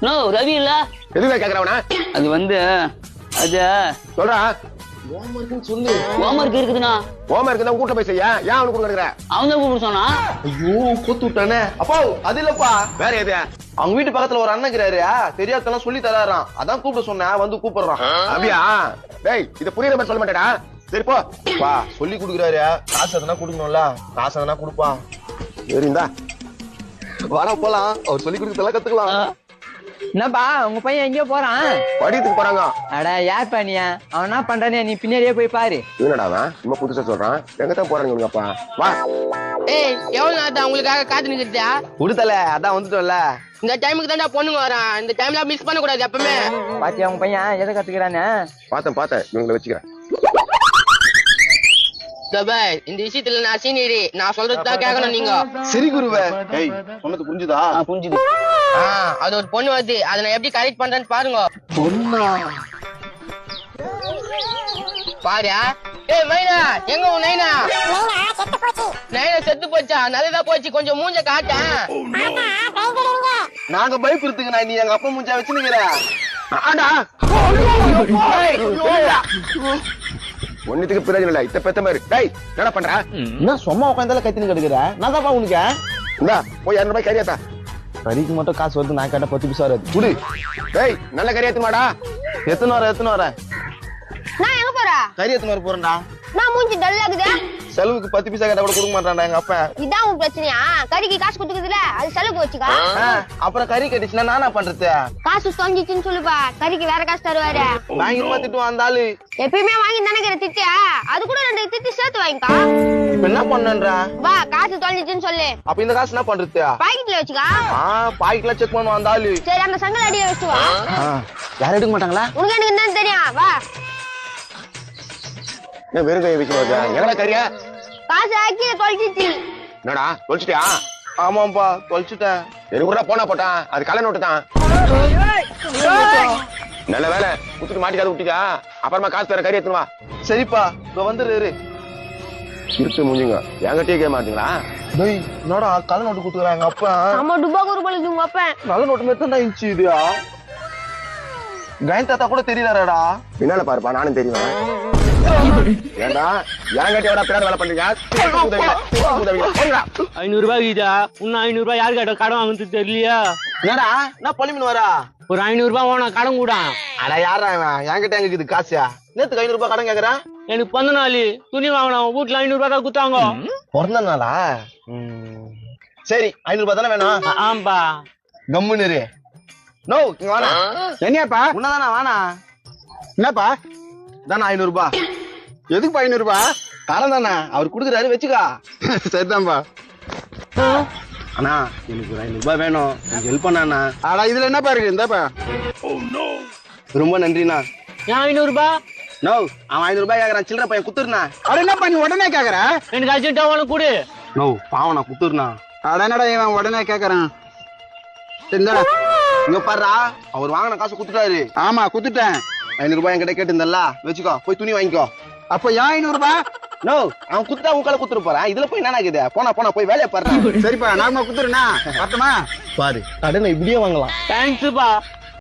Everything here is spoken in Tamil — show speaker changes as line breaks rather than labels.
நோ ரவி இல்ல
எதுவே கேக்குறவனா
அது வந்து அது
சொல்றா
சொல்லு ஹோம்வொர்க் இருக்குதுண்ணா
ஹோம்வொர்க் தான் கூட்ட போய் செய்ய ஏன் அவனுக்கு கொடுக்குற
அவன் தான் கூப்பிட சொன்னா
ஐயோ கூத்து விட்டானே அப்பா அது இல்லப்பா
வேற எது
அவங்க வீட்டு பக்கத்துல ஒரு அண்ணன் இருக்கிறாரு தெரியாதெல்லாம் சொல்லி தராராம் அதான் கூப்பிட சொன்னேன் வந்து கூப்பிடுறான்
அப்படியா டேய் இது புரியுற மாதிரி சொல்ல மாட்டேடா சரி போ
பா சொல்லி கொடுக்குறாரு காசு எதனா கொடுக்கணும்ல காசு எதனா கொடுப்பா
சரிந்தா
வர போலாம் அவர் சொல்லி கொடுக்கறதெல்லாம் கத்துக்கலாம்
என்னப்பா உங்க பையன் எங்கேயோ போறான்
படித்துக்கு போறாங்க
அட யார் பண்ணியா அவன் என்ன பண்றானே நீ பின்னாடியே போய் பாரு
என்னடா அவன் ரொம்ப புதுசா சொல்றான் எங்கதான் போறாங்க உங்கப்பா வா
ஏய் எவ்வளவு நேரத்தை உங்களுக்காக காத்து நிக்கிறதா
கொடுத்தல அதான் வந்துட்டோம்ல
இந்த டைமுக்கு தான்டா பொண்ணுங்க வரான் இந்த டைம்ல மிஸ் பண்ண கூடாது எப்பவுமே
பாத்தியா உங்க பையன் எதை கத்துக்கிறானே
பார்த்தேன் இவங்களை வச்சுக்கிறேன்
பாய் இந்த விஷயத்துல நான் சீனியரி நான் சொல்றதுதான் கேட்கணும் நீங்க
சரி குருவே ஏய் சொன்னது புரிஞ்சுதா
புரிஞ்சுது
அது ஒரு பொண்ணு வருது அதை நான் எப்படி கரெக்ட் பண்றேன்னு பாருங்க
பொண்ணா
பாரு ஏய் மைனா எங்க உன் நைனா நைனா செத்து போச்சா நல்லதா போச்சு கொஞ்சம் மூஞ்ச காட்டேன்
நாங்க பயப்படுத்துங்க நீ எங்க அப்பா மூஞ்சா வச்சுனுங்கிற
ஆடா ஒன்னுத்துக்கு பிரயோஜனம் இல்ல இத்த பெத்த மாதிரி டேய் என்ன பண்ற
என்ன சும்மா உட்காந்தால கத்தினு கிடக்குற நான் தான்ப்பா உனக்கு
இந்தா போய் 200 ரூபாய் கறியாத்தா
கறிக்கு மட்டும் காசு வருது நான் கேட்ட 10 பைசா வருது குடு
டேய் நல்ல கறியாத்து மாடா
எத்தனை வர
நான் எங்க போறா
கறி எத்தனை வர போறேன்டா
நான் மூஞ்சி டல்லாகுதே
செலவுக்கு 10 பைசா கேட்டா கூட கொடுக்க மாட்டான்டா எங்க அப்பா
இதான் உன் பிரச்சனையா கறிக்கு காசு கொடுக்குதுல அது செலவுக்கு வச்சுக்கா
அப்புறம் கறி கட்டிச்சுன்னா நானா பண்றது
காசு தொங்கிச்சுன்னு சொல்லுப்பா கறிக்கு வேற காசு தருவாரு
வாங்கிருமா திட்டுவான் அந்த ஆளு
எப்பயுமே வாங்கி தானே திட்டியா அது கூட 2 திட்டி சேர்த்து வாங்கிக்கா
இப்ப என்ன பண்ணன்றா
வா காசு தொலைஞ்சிச்சுன்னு சொல்லு
அப்ப இந்த காசு என்ன பண்றது
பாக்கெட்ல வச்சுக்கா
பாக்கெட்ல செக் பண்ணுவான் அந்த ஆளு
சரி அந்த சங்கல் அடியில வச்சு வா
யாரும் எடுக்க மாட்டாங்களா
உனக்கு எனக்கு என்னன்னு தெரியும் வா
ஏன் வெறும் கையை வச்சு வச்சா எங்கடா கறியா
காசு ஆக்கி தொலைச்சிச்சு
என்னடா தொலைச்சிட்டியா
ஆமாப்பா தொலைச்சிட்டேன்
எனக்கு கூட போனா போட்டான் அது கலை நோட்டு தான் நல்ல வேலை குத்துட்டு மாட்டிக்காத விட்டுக்கா அப்புறமா காசு தர கறி எடுத்துன்னு வா
சரிப்பா இப்ப வந்துரு
இருட்டு முடிஞ்சுங்க என்கிட்டயே கேட்க மாட்டீங்களா
டேய் என்னடா கள்ள நோட்டு குடுக்குறாங்க அப்பா
நம்ம டுபாக்கு ஒரு பழகு உங்க அப்பன்
நல்ல நோட்டு மட்டும் தான் இருந்துச்சு இதுயா கயன் தாத்தா கூட தெரியலடா
பின்னால பாருப்பா நானும் தெரியும் ஏண்டா என்கிட்ட பின்னாடி வேலை பண்றீங்க
500 ரூபாய் இதா இன்னும் 500 ரூபாய் யாரு கேட்ட கடன் வாங்குறது தெரியலையா
என்னடா என்ன பழிமீன் வரா
ஒரு 500 ரூபாய் வேணும் கடன் கூட
அட யாரா இவன் என்கிட்ட எங்க இது காசியா நேத்துக்கு 500 ரூபாய் கடன் கேக்குறான்
எனக்கு பிறந்த நாள் துணி வாங்கணும் வீட்டுல 500 ரூபாய் தான் குத்தாங்க
பிறந்த நாளா சரி 500 ரூபாய் தானே வேணும்
ஆம்பா
கம்முன்னு இரு. நோ இங்க வாடா
என்னப்பா
உன்னதானா வாணா
என்னப்பா
தானே 500 ரூபாய்
எதுக்கு 500 ரூபாய்
கடன் தானே அவர் குடுக்குறாரு வச்சுக்கா
சரிதான்பா
அண்ணா எனக்கு ஒரு 500 ரூபாய் வேணும் எனக்கு ஹெல்ப் பண்ணா
ஆனா இதுல என்னப்பா இருக்கு இந்தாப்பா
ரொம்ப நன்றிண்ணா
ஏன் 500 ரூபாய்
நோ அவன் 500 ரூபாய் கேக்குறான் சில்லற பையன் குத்துருண்ணா
அட என்னப்பா நீ உடனே கேக்குற
எனக்கு அர்ஜென்ட்டா வேணும் கூடு
நோ பாவம் நான் குத்துருண்ணா
அட என்னடா இவன் உடனே கேக்குறான் சரிடா
இங்க பாருடா அவர் வாங்கின காசு குத்துட்டாரு
ஆமா குத்துட்டேன்
500 ரூபாய் என்கிட்ட கேட்டிருந்தல்ல வச்சுக்கோ போய் துணி வாங்கிக்கோ
அப்ப ஏன் 500 ரூபாய்
நோ அவன் குத்துட்டா உங்களை குத்துட்டு போறான் இதுல போய் என்ன ஆகுது போனா போய் வேலையை பாரு
சரிப்பா நார்மலா குத்துருண்ணா பத்தமா
பாரு கடனை இப்படியே வாங்கலாம்
தேங்க்ஸ்ப்பா